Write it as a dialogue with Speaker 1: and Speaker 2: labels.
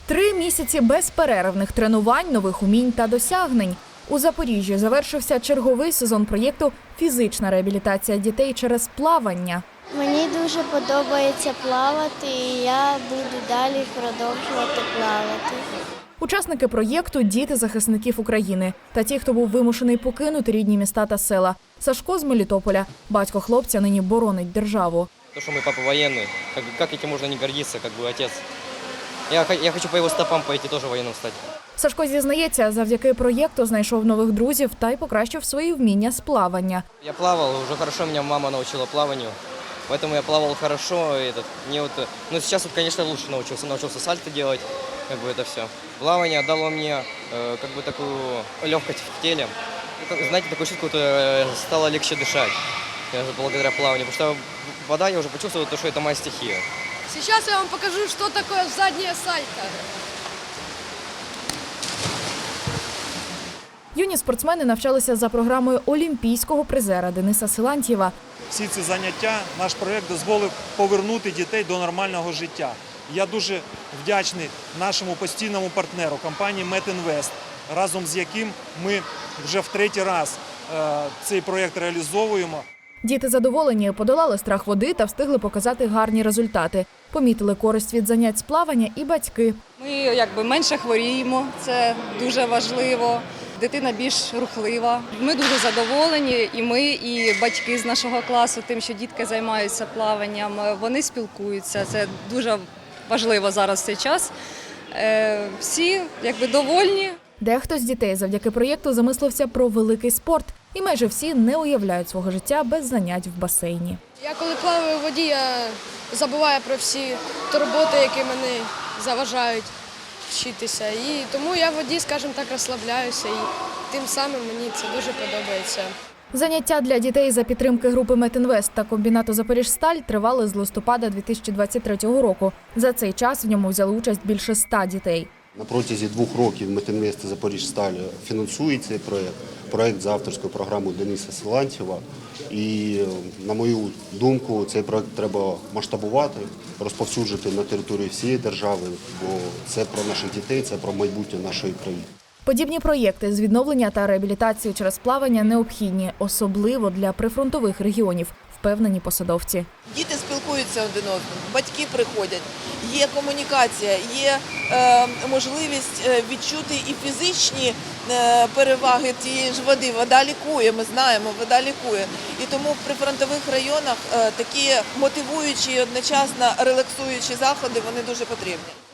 Speaker 1: 3 місяці безперервних тренувань, нових умінь та досягнень. У Запоріжжі завершився черговий сезон проєкту «Фізична реабілітація дітей через плавання».
Speaker 2: Мені дуже подобається плавати, і я буду далі продовжувати плавати.
Speaker 1: Учасники проєкту – діти захисників України та ті, хто був вимушений покинути рідні міста та села. Сашко з Мелітополя. Батько хлопця нині боронить державу.
Speaker 3: То, что мой папа военный, как этим можно не гордиться, как бы отец. Я хочу по его стопам пойти, тоже военным стать.
Speaker 1: Сашко зізнається, завдяки проєкту знайшов нових друзів та й покращив свої вміння з плавання.
Speaker 3: Я плавал, уже хорошо меня мама научила плаванию, поэтому я плавал хорошо. Но сейчас, конечно, лучше научился сальто делать, как бы это все. Плавание дало мне как бы такую легкость в теле. Знаете, такое чувство, стало легче дышать благодаря плаванию, потому что вода, я уже почувствовал, что это моя стихия.
Speaker 4: Сейчас я вам покажу, что такое заднее сальто.
Speaker 1: Юні спортсмени навчалися за програмою олімпійського призера Дениса Силантьєва.
Speaker 5: Всі ці заняття, наш проєкт дозволив повернути дітей до нормального життя. Я дуже вдячний нашому постійному партнеру, компанії «Метінвест», разом з яким ми вже в 3-й раз цей проєкт реалізовуємо.
Speaker 1: Діти задоволені, подолали страх води та встигли показати гарні результати. Помітили користь від занять з плавання і батьки.
Speaker 6: Ми менше хворіємо, це дуже важливо. Дитина більш рухлива. Ми дуже задоволені, і ми, і батьки з нашого класу, тим, що дітки займаються плаванням, вони спілкуються. Це дуже важливо зараз в цей час. Всі довольні.
Speaker 1: Дехто з дітей завдяки проєкту замислився про великий спорт. І майже всі не уявляють свого життя без занять в басейні.
Speaker 4: Я коли плаваю в воді, я забуваю про всі турботи, які мене заважають вчитися. І тому я в воді, скажімо так, розслабляюся. І тим самим мені це дуже подобається.
Speaker 1: Заняття для дітей за підтримки групи «Метінвест» та комбінату «Запоріжсталь» тривали з листопада 2023 року. За цей час в ньому взяли участь більше 100 дітей.
Speaker 7: На протязі 2 років «Метінвест» та «Запоріжсталь» фінансують цей проєкт за авторською програмою Дениса Силантьєва. І, на мою думку, цей проєкт треба масштабувати, розповсюджувати на території всієї держави, бо це про наших дітей, це про майбутнє нашої країни.
Speaker 1: Подібні проєкти з відновлення та реабілітації через плавання необхідні, особливо для прифронтових регіонів, впевнені посадовці.
Speaker 8: Діти спілкуються один одним, батьки приходять, є комунікація, є можливість відчути і фізичні переваги тієї ж води. Вода лікує, ми знаємо, вода лікує. І тому в прифронтових районах такі мотивуючі і одночасно релаксуючі заходи, вони дуже потрібні.